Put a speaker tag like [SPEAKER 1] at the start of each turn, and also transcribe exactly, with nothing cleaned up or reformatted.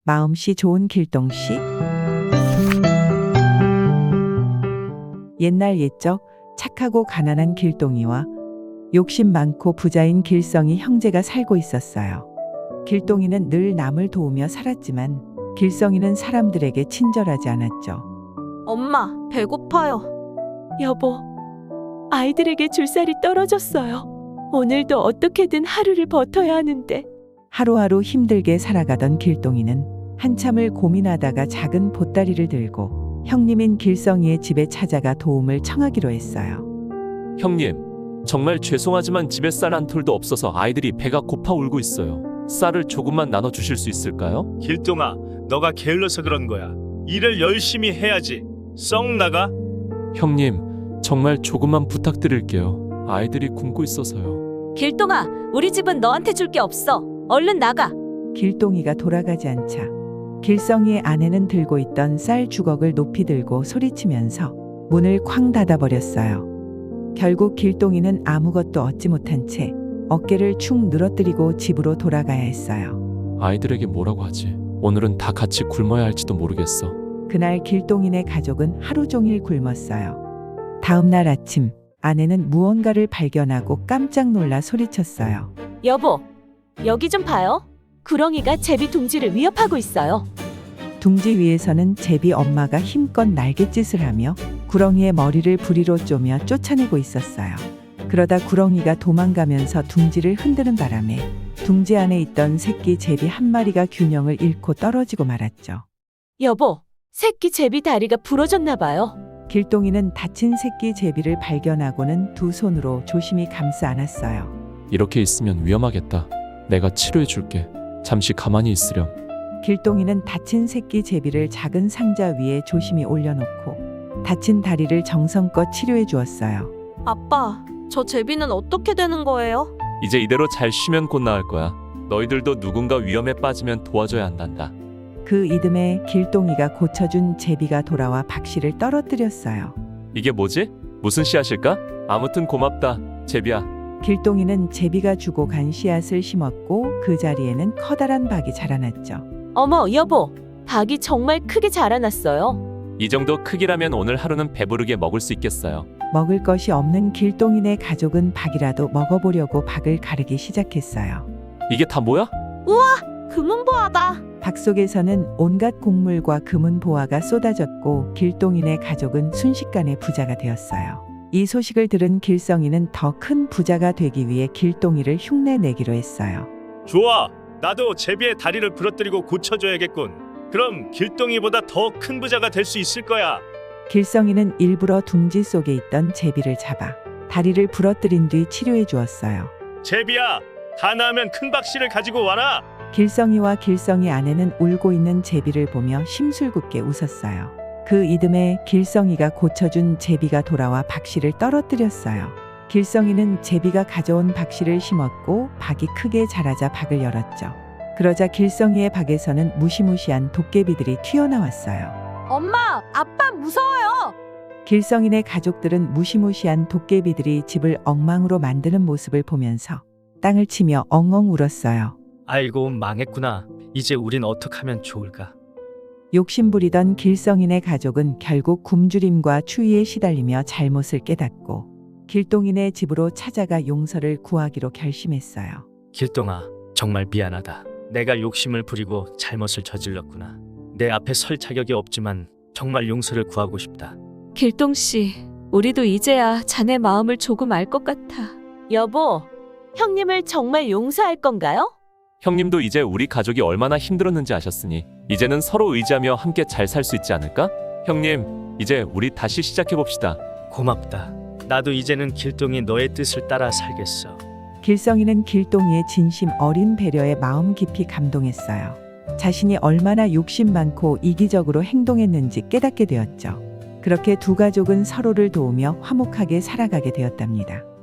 [SPEAKER 1] 마음씨 좋은 길동씨? 옛날 옛적 착하고 가난한 길동이와 욕심 많고 부자인 길성이 형제가 살고 있었어요. 길동이는 늘 남을 도우며 살았지만 길성이는 사람들에게 친절하지 않았죠.
[SPEAKER 2] 엄마, 배고파요. 여보, 아이들에게 줄 쌀이 떨어졌어요. 오늘도 어떻게든 하루를 버텨야 하는데.
[SPEAKER 1] 하루하루 힘들게 살아가던 길동이는 한참을 고민하다가 작은 보따리를 들고 형님인 길성이의 집에 찾아가 도움을 청하기로 했어요.
[SPEAKER 3] 형님, 정말 죄송하지만 집에 쌀 한 톨도 없어서 아이들이 배가 고파 울고 있어요. 쌀을 조금만 나눠주실 수 있을까요?
[SPEAKER 4] 길동아, 너가 게을러서 그런 거야. 일을 열심히 해야지. 썩 나가.
[SPEAKER 3] 형님, 정말 조금만 부탁드릴게요. 아이들이 굶고 있어서요.
[SPEAKER 2] 길동아, 우리 집은 너한테 줄 게 없어. 얼른 나가.
[SPEAKER 1] 길동이가 돌아가지 않자 길성이의 아내는 들고 있던 쌀 주걱을 높이 들고 소리치면서 문을 쾅 닫아버렸어요. 결국 길동이는 아무것도 얻지 못한 채 어깨를 축 늘어뜨리고 집으로 돌아가야 했어요.
[SPEAKER 3] 아이들에게 뭐라고 하지? 오늘은 다 같이 굶어야 할지도 모르겠어.
[SPEAKER 1] 그날 길동이네 가족은 하루 종일 굶었어요. 다음 날 아침 아내는 무언가를 발견하고 깜짝 놀라 소리쳤어요.
[SPEAKER 2] 여보, 여기 좀 봐요. 구렁이가 제비 둥지를 위협하고 있어요.
[SPEAKER 1] 둥지 위에서는 제비 엄마가 힘껏 날갯짓을 하며 구렁이의 머리를 부리로 쪼며 쫓아내고 있었어요. 그러다 구렁이가 도망가면서 둥지를 흔드는 바람에 둥지 안에 있던 새끼 제비 한 마리가 균형을 잃고 떨어지고 말았죠.
[SPEAKER 2] 여보, 새끼 제비 다리가 부러졌나 봐요.
[SPEAKER 1] 길동이는 다친 새끼 제비를 발견하고는 두 손으로 조심히 감싸 안았어요.
[SPEAKER 3] 이렇게 있으면 위험하겠다. 내가 치료해 줄게. 잠시 가만히 있으렴.
[SPEAKER 1] 길동이는 다친 새끼 제비를 작은 상자 위에 조심히 올려놓고 다친 다리를 정성껏 치료해 주었어요.
[SPEAKER 2] 아빠, 저 제비는 어떻게 되는 거예요?
[SPEAKER 3] 이제 이대로 잘 쉬면 곧 나을 거야. 너희들도 누군가 위험에 빠지면 도와줘야 한단다.
[SPEAKER 1] 그 이듬해 길동이가 고쳐준 제비가 돌아와 박씨를 떨어뜨렸어요.
[SPEAKER 3] 이게 뭐지? 무슨 씨앗일까? 아무튼 고맙다, 제비야.
[SPEAKER 1] 길동이는 제비가 주고 간 씨앗을 심었고 그 자리에는 커다란 박이 자라났죠.
[SPEAKER 2] 어머, 여보, 박이 정말 크게 자라났어요.
[SPEAKER 3] 이 정도 크기라면 오늘 하루는 배부르게 먹을 수 있겠어요.
[SPEAKER 1] 먹을 것이 없는 길동이네 가족은 박이라도 먹어보려고 박을 가르기 시작했어요.
[SPEAKER 3] 이게 다 뭐야?
[SPEAKER 2] 금은보화다.
[SPEAKER 1] 박 속에서는 온갖 곡물과 금은 보화가 쏟아졌고 길동이네 가족은 순식간에 부자가 되었어요. 이 소식을 들은 길성이는 더 큰 부자가 되기 위해 길동이를 흉내내기로 했어요.
[SPEAKER 4] 좋아. 나도 제비의 다리를 부러뜨리고 고쳐줘야겠군. 그럼 길동이보다 더 큰 부자가 될 수 있을 거야.
[SPEAKER 1] 길성이는 일부러 둥지 속에 있던 제비를 잡아 다리를 부러뜨린 뒤 치료해 주었어요.
[SPEAKER 4] 제비야, 다 나으면 큰 박씨를 가지고 와라.
[SPEAKER 1] 길성이와 길성이 아내는 울고 있는 제비를 보며 심술궂게 웃었어요. 그 이듬해 길성이가 고쳐준 제비가 돌아와 박씨를 떨어뜨렸어요. 길성이는 제비가 가져온 박씨를 심었고 박이 크게 자라자 박을 열었죠. 그러자 길성이의 박에서는 무시무시한 도깨비들이 튀어나왔어요.
[SPEAKER 2] 엄마, 아빠 무서워요.
[SPEAKER 1] 길성이네 가족들은 무시무시한 도깨비들이 집을 엉망으로 만드는 모습을 보면서 땅을 치며 엉엉 울었어요.
[SPEAKER 5] 아이고, 망했구나. 이제 우린 어떻게 하면 좋을까?
[SPEAKER 1] 욕심부리던 길성이네 가족은 결국 굶주림과 추위에 시달리며 잘못을 깨닫고 길동이네 집으로 찾아가 용서를 구하기로 결심했어요.
[SPEAKER 5] 길동아, 정말 미안하다. 내가 욕심을 부리고 잘못을 저질렀구나. 내 앞에 설 자격이 없지만 정말 용서를 구하고 싶다.
[SPEAKER 2] 길동씨, 우리도 이제야 자네 마음을 조금 알 것 같아. 여보, 형님을 정말 용서할 건가요?
[SPEAKER 3] 형님도 이제 우리 가족이 얼마나 힘들었는지 아셨으니 이제는 서로 의지하며 함께 잘 살 수 있지 않을까? 형님, 이제 우리 다시 시작해봅시다.
[SPEAKER 5] 고맙다. 나도 이제는 길동이 너의 뜻을 따라 살겠어.
[SPEAKER 1] 길성이는 길동이의 진심 어린 배려에 마음 깊이 감동했어요. 자신이 얼마나 욕심 많고 이기적으로 행동했는지 깨닫게 되었죠. 그렇게 두 가족은 서로를 도우며 화목하게 살아가게 되었답니다.